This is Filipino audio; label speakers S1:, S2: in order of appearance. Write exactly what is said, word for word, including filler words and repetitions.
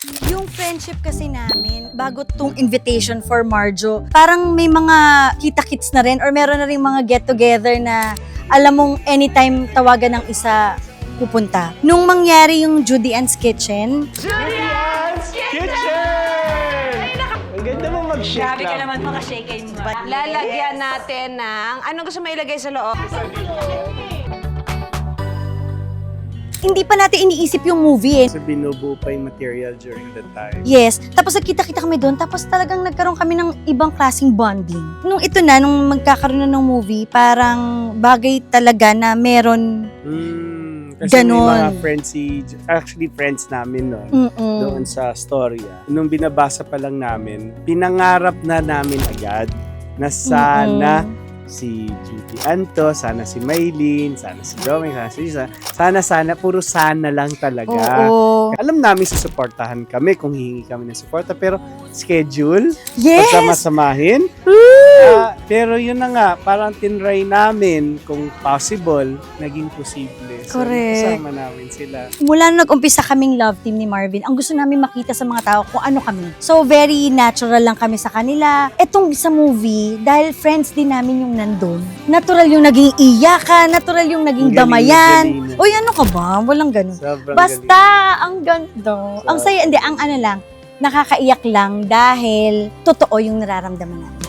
S1: Yung friendship kasi namin, bago tong invitation for Marjo, parang may mga kita-kits na rin or meron na rin mga get-together na alam mong anytime tawagan ng isa pupunta. Nung mangyari yung Judy Ann's Kitchen,
S2: Julian's Kitchen! Ang ganda mo mag-shake
S1: grabe ka
S2: lang.
S1: naman makashake mo ba?
S3: Lalagyan natin ng, anong gusto mo ilagay sa loob?
S1: Hindi pa natin iniisip yung movie eh.
S2: Kasi binubuo pa yung material during that time.
S1: Yes. Tapos nagkita-kita kami doon. Tapos talagang nagkaroon kami ng ibang klaseng bonding. Nung ito na, nung magkakaroon na ng movie, parang bagay talaga na meron.
S2: Mm, kasi
S1: Ganon.
S2: may mga friends si, actually friends namin noon.
S1: Mm-mm.
S2: Doon sa storya. Nung binabasa pa lang namin, pinangarap na namin agad na sana
S1: Mm-mm.
S2: si Judy Anto, sana si Maylene, sana si Doming, sana si Lisa. Sana, sana, puro sana lang talaga.
S1: Oo.
S2: Alam namin susuportahan kami kung hihingi kami ng suporta, pero schedule,
S1: Yes!
S2: pagsamasamahin. Ah, pero yun na nga, parang tinry namin kung possible, naging posible. So,
S1: Correct.
S2: kasama namin sila.
S1: Mula nung nag-umpisa kaming love team ni Marvin, ang gusto namin makita sa mga tao kung ano kami. So, very natural lang kami sa kanila. Etong sa movie, dahil friends din namin yung nandun, natural yung naging iyakan, natural yung naging
S2: Ang galing,
S1: damayan.
S2: galing.
S1: Uy, ano ka ba? Walang ganun.
S2: Sobrang
S1: Basta, ang ganda. Ang saya, hindi, ang ano lang, nakakaiyak lang dahil totoo yung nararamdaman namin.